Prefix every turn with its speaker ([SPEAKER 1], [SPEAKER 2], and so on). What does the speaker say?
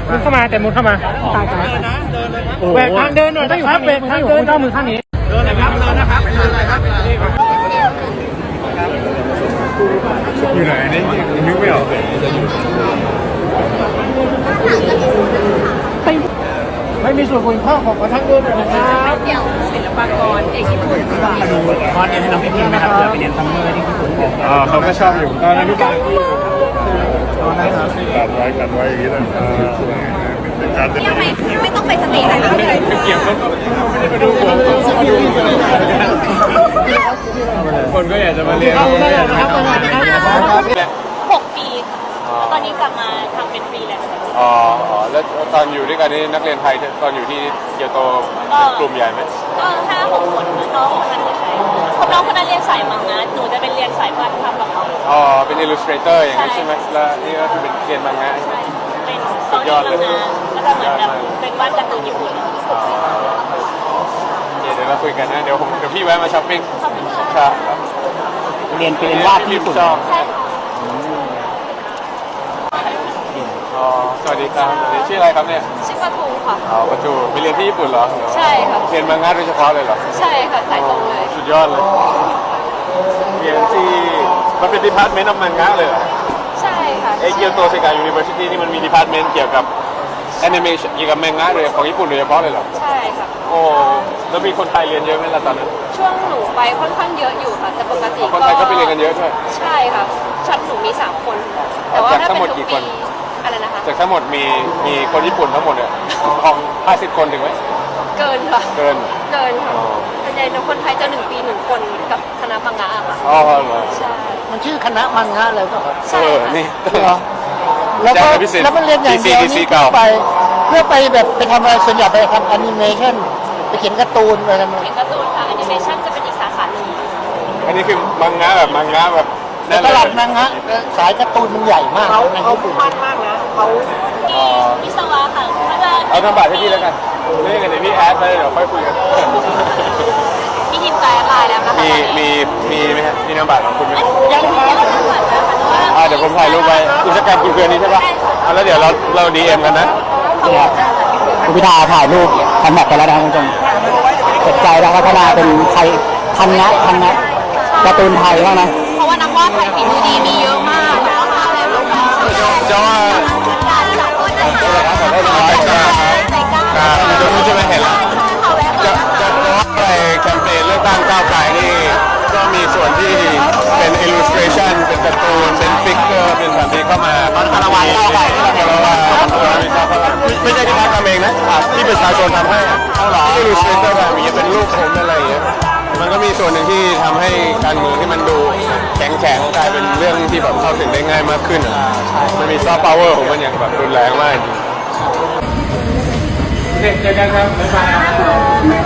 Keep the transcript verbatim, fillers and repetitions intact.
[SPEAKER 1] มุดเข้ามาแต่มุดเข้ามาตายตายแหวกทางเดินหน่อยนะครับแหวกทางเดินเข้ามือข้างนี้เดินนะครับเดินนะครับเดินนะครับอยู่ไหนนี่นึกไม่ออกไม่มีส่วนคุณพ่อของทางเดินนะครับ
[SPEAKER 2] เกี่ยวศิลปากรเอกญี่ปุ่นค่ะ
[SPEAKER 1] ดูคอร์สเรียนให้น้องพี่พิมพ์นะครับเราไปเรียนซัมเมอร์ที่ญี่ปุ่นอ๋อเขาก็ชอบอยู่ตอนนั้นพี่กันตอนนั้นครับกันไว้กันไว้อย่างนี้เลย
[SPEAKER 2] ยังไม่ไม่ต้องไปสติอะไรเลย
[SPEAKER 1] เกี่ยวกับมาดูผมมาดูคนก็อยากจะมาเรียน
[SPEAKER 2] หกปีค่ะตอนนี้กลับมาทำเป็นฟรีแลนซ์
[SPEAKER 3] อ๋อแล้วตอนอยู่ด้วยกันนี่นักเรียนไทยตอนอยู่ที่เกียวโตกลุ่มใหญ่ไหม
[SPEAKER 2] ก็ห้าหกคนน้องคนนั้นใช่คนน้องคนนั้นเรียนสายมังงะหนูจะเป็นเรียนสายวาดภาพกับเขา
[SPEAKER 3] อ๋อเป็นอิลลูสเตรเตอร์อย่างนั้นใช่ไหมแล้วนี่ก็คือเป็นเรียนมังงะใช่ไหม
[SPEAKER 2] เป็นสุดยอดเลยแล้วก็เหมือนแบบเป็นวาดการ์ตูนญี่ปุ่น
[SPEAKER 3] เดี๋ยวเราคุยกันนะเดี๋ยวผมเดี๋ยวพี่แวะมาช้อปปิ้ง
[SPEAKER 2] ครับ
[SPEAKER 1] เรียนเป็นวาดญี่ปุ่น
[SPEAKER 3] อ๋อสวัสดีครับชื่ออะไรครับเนี่ย
[SPEAKER 2] ชื่อปะทูค่ะ
[SPEAKER 3] อ๋อปะทูไปเรียนที่ญี่ปุ่นเหรอ
[SPEAKER 2] ใช่ค่ะ
[SPEAKER 3] เรียนมังงะโดยเฉพาะเลยเหรอ
[SPEAKER 2] ใช่ค่ะสายตรงเลย
[SPEAKER 3] สุดยอดเลยเรียนที่มันเป็นดีพาร์ตเมนต์ของมังงะเลยเหรอ
[SPEAKER 2] ใช่ค่ะ
[SPEAKER 3] เอเกียวโตเซกายูนิเวอร์ซิตี้ที่มันมีดีพาร์ตเมนต์เกี่ยวกับแอนิเมชั่นเกี่ยวกับมังงะเลยของญี่ปุ่นโดยเฉพาะเลยเหรอ
[SPEAKER 2] ใช่ค่ะ
[SPEAKER 3] โอ้แล้วมีคนไทยเรียนเยอะไหมล่ะตอนนั้น
[SPEAKER 2] ช่วงหนูไปค่อนข้างเยอะอยู่ค่ะแต่ปกติ
[SPEAKER 3] คนไทยก็ไปเรียนกันเยอะใช่
[SPEAKER 2] ใช่ค่ะชั้นหนูมีสามคนแต่ว่าถ้าเป็นทุกปีอะไรนะคะ
[SPEAKER 3] จากทั้งหมดมีมีคนญี่ปุ่นทั้งหมดเนี่ยของห้าสิบคนถึงไหม
[SPEAKER 2] เกินค่ะ
[SPEAKER 3] เกิน
[SPEAKER 2] เกินค่ะส่วนใหญ่คนไทยจะหนึ่งปีหนึ่งคนกับคณะมังงะค่ะ
[SPEAKER 3] อ๋อเหรอ
[SPEAKER 2] ใช่
[SPEAKER 1] มันชื่อคณะมังงะเลยก็
[SPEAKER 2] ใช่
[SPEAKER 3] นี่
[SPEAKER 1] แล้วก็แล้วมันเรียนอย่างเดียวนี่ไปเพื่อไปแบบไปทำอะไรส่วนใหญ่ไปทำแอนิเมชั่นไปเขียนการ์ตูนอะไรทำไม
[SPEAKER 2] เขียนการ์ตูนค่ะแอนิเมชั่นจะเป็นอีกสาขาหนึ่ง
[SPEAKER 3] อันนี้คือมังงะแบบมังงะแบบ
[SPEAKER 1] ตลาดมังงะสายการ์ตูนมันใหญ่มาก
[SPEAKER 2] เขาเขาพุ่งมั่นมากนะเขาวิศวะค่ะ
[SPEAKER 3] เอาทำบัตรให้พี่แล้วกันเรื่องกันเดี๋ยวพี่แอดไปเดี๋ยวค่อยคุยกัน
[SPEAKER 2] พี่ทีมใจอะไรแล้วนะคะ
[SPEAKER 3] มีมีมีไหมฮะมีนามบัตรของคุณไหม
[SPEAKER 2] ยังไม่ได้นามบัตรนะคะ
[SPEAKER 3] เดี๋ยวผมถ่ายรูปไว้อินสตาแกรมคุณเพื่อนนี้ใช่ปะเอาแล้วเดี๋ยวเราเราดีเอ็มกันนะ
[SPEAKER 1] คุณพิธาถ่ายรูปทำแบบไปแล้วนะคุณผู้ชมสนใจแล้วพัฒนาเป็นไทยทันนะทันนะการ์ตูนไทยบ้างนะ
[SPEAKER 2] เพราะว่านักวาดไทยฝีมือดีมีเยอะมากแล้วก็อะไรบ้าง
[SPEAKER 3] จะว่าได้ไหมครับเดี๋ยวคุณจะไม่เห็นแล้วจะจะว่าอะไรแคมเปญเลือกตั้งก้าวไกลนี่ก็มีส่วนที่เป็น illustration เป็นการ์ตูนเป็นฟิกเกอร์เป็นแบบนี้เข้ามาตอนคารวะก้าวไกลคารวะไม่ใช่ที่พักทำเองนะที่ประชาชนทำให้ที่ illustrator แบบนี้เป็นรูปผมอะไรอย่างเงี้ยมันก็มีส่วนหนึ่งที่ทำให้การเมืองที่มันดูแข็งแข็งกลายเป็นเรื่องที่แบบเข้าถึงได้ง่ายมากขึ้นอ่ะมันมีซอฟต์พาวเวอร์ของมันอย่างแบบรุนแรงมากโอเคเจอกันครับบ๊ายบาย